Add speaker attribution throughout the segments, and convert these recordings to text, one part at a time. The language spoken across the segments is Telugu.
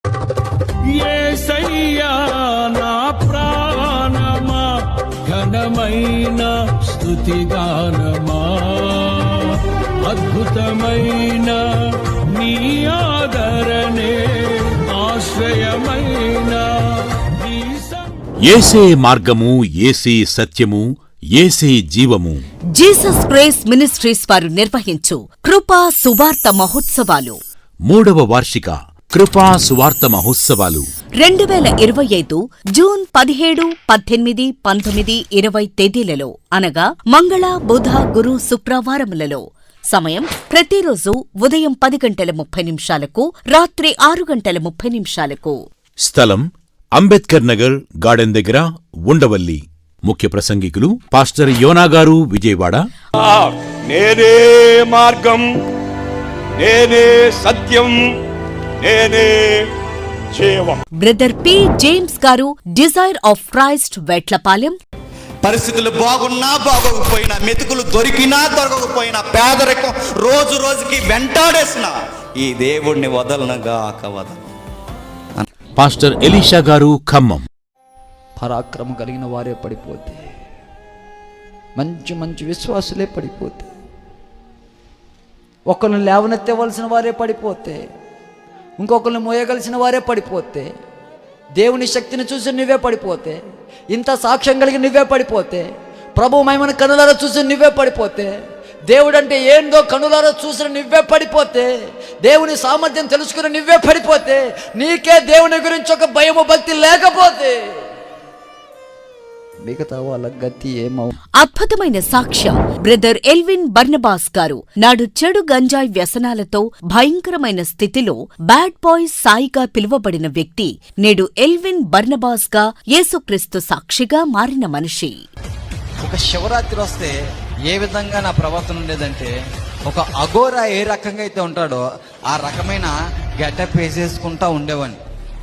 Speaker 1: యేసయ్యా నా ప్రాణమా ఘనమైన స్తుతిగానమా అద్భుతమైన నీ ఆదరణే ఆశ్రయమైన
Speaker 2: యేసే మార్గము, యేసే సత్యము, యేసే జీవము.
Speaker 3: జీసస్ గ్రేస్ మినిస్ట్రీస్ వారు నిర్వహించు కృపా సువార్త మహోత్సవాలు
Speaker 2: 3వ వార్షిక కృపా సువార్త మహోత్సవాలు
Speaker 3: 2025 జూన్ 17, 18, 19, 20 తేదీలలో అనగా మంగళ, బుధ, గురు, శుక్రవారములలో. సమయం ప్రతిరోజు ఉదయం 10:30 రాత్రి 6:30.
Speaker 2: స్థలం అంబేద్కర్ నగర్ గార్డెన్ దగ్గర, ఉండవల్లి. ముఖ్య ప్రసంగికులు పాస్టర్ యోనా గారు, విజయవాడ.
Speaker 4: నేనే మార్గం, నేనే సత్యం, నేనే జీవం.
Speaker 3: Brother P James garu, desire of Christ, Vetlapalem.
Speaker 5: పరిస్థితులు బాగున్నా బాగోకపోయినా, మెతుకులు దొరికినా దొరకకపోయినా, పేదరికం రోజు రోజుకి వెంటాడేసిన ఈ దేవుణ్ణి వదలనగాక వదలను.
Speaker 2: పాస్టర్ ఎలీషా గారు, ఖమ్మం.
Speaker 6: పరాక్రమం కలిగిన వారే పడిపోతే, మంచి మంచి విశ్వాసులే పడిపోతే, ఒకరిని లేవనెత్తవలసిన వారే పడిపోతే, ఇంకొకరిని మోయగలిసిన వారే పడిపోతే, దేవుని శక్తిని చూసి నువ్వే పడిపోతే, ఇంత సాక్ష్యం కలిగి నువ్వే పడిపోతే, ప్రభు మహిమను కనులారా చూసి నువ్వే పడిపోతే, దేవుడంటే ఏందో కనులారా చూసిన నువ్వే పడిపోతే, దేవుని సామర్థ్యం తెలుసుకుని నువ్వే పడిపోతే, నీకే దేవుని గురించి ఒక భయము భక్తి లేకపోతే మిగతా వాళ్ళ గతి ఏమవు.
Speaker 3: అద్భుతమైన సాక్ష్యం బ్రదర్ ఎల్విన్ బర్నబాస్ గారు. నాడు చెడు గంజాయి వ్యసనాలతో భయంకరమైన స్థితిలో బ్యాడ్ బాయ్ సాయిగా పిలువబడిన వ్యక్తి నేడు ఎల్విన్ బర్నబాస్ గా యేసుక్రీస్తు సాక్షిగా మారిన మనిషి.
Speaker 6: ఒక శివరాత్రి వస్తే ఏ విధంగా నా ప్రవర్తన ఉండేదంటే, ఒక అఘోరా ఏ రకంగా అయితే ఉంటాడో ఆ రకమైన గెటప్ వేసేసుకుంటా ఉండేవాడిని.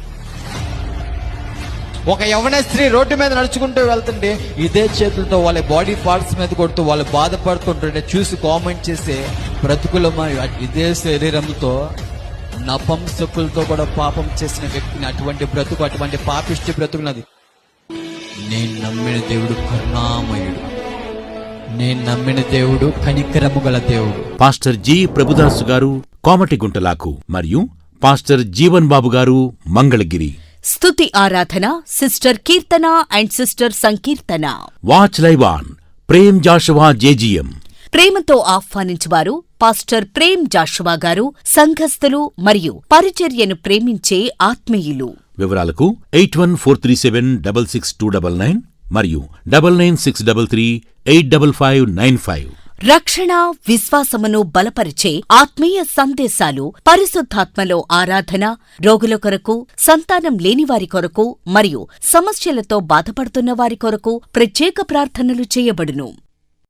Speaker 6: ఒక యవ్వన స్త్రీ రోడ్డు మీద నడుచుకుంటూ వెళ్తుంటే ఇదే చేతులతో వాళ్ళ బాడీ పార్ట్స్ మీద కొడుతూ వాళ్ళు బాధపడుతుంటుంటే చూసి కామెంట్ చేసే బ్రతుకులమా ఇదే శరీరంతో నపంసకులతో కూడా పాపం చేసిన వ్యక్తిని, అటువంటి బ్రతుకు, అటువంటి పాపిష్టి బ్రతుకున్నది. నేను నమ్మిన దేవుడు కరుణామయుడు, నేను నమ్మిన దేవుడు కనికరము గల దేవుడు.
Speaker 2: పాస్టర్ జి ప్రభుదాసు గారు, కోమటిగుంటలాకు. మరియు పాస్టర్ జీవన్ బాబు గారు, మంగళగిరి.
Speaker 3: స్తుతి ఆరాధన sister Keerthana and sister Sankeerthana.
Speaker 2: Watch live on Prem Joshua JGM.
Speaker 3: ప్రేమతో ఆహ్వానించువారు పాస్టర్ ప్రేమ్ జాషువా గారు, సంఘస్థులు మరియు పరిచర్యను ప్రేమించే ఆత్మీయులు.
Speaker 2: వివరాలకు 8143766299 మరియు 9963385595.
Speaker 3: రక్షణ, విశ్వాసమును బలపరిచే ఆత్మీయ సందేశాలు, పరిశుద్ధాత్మలో ఆరాధన, రోగుల కొరకు, సంతానం లేనివారి కొరకు మరియు సమస్యలతో బాధపడుతున్న వారి కొరకు ప్రత్యేక ప్రార్థనలు చేయబడును.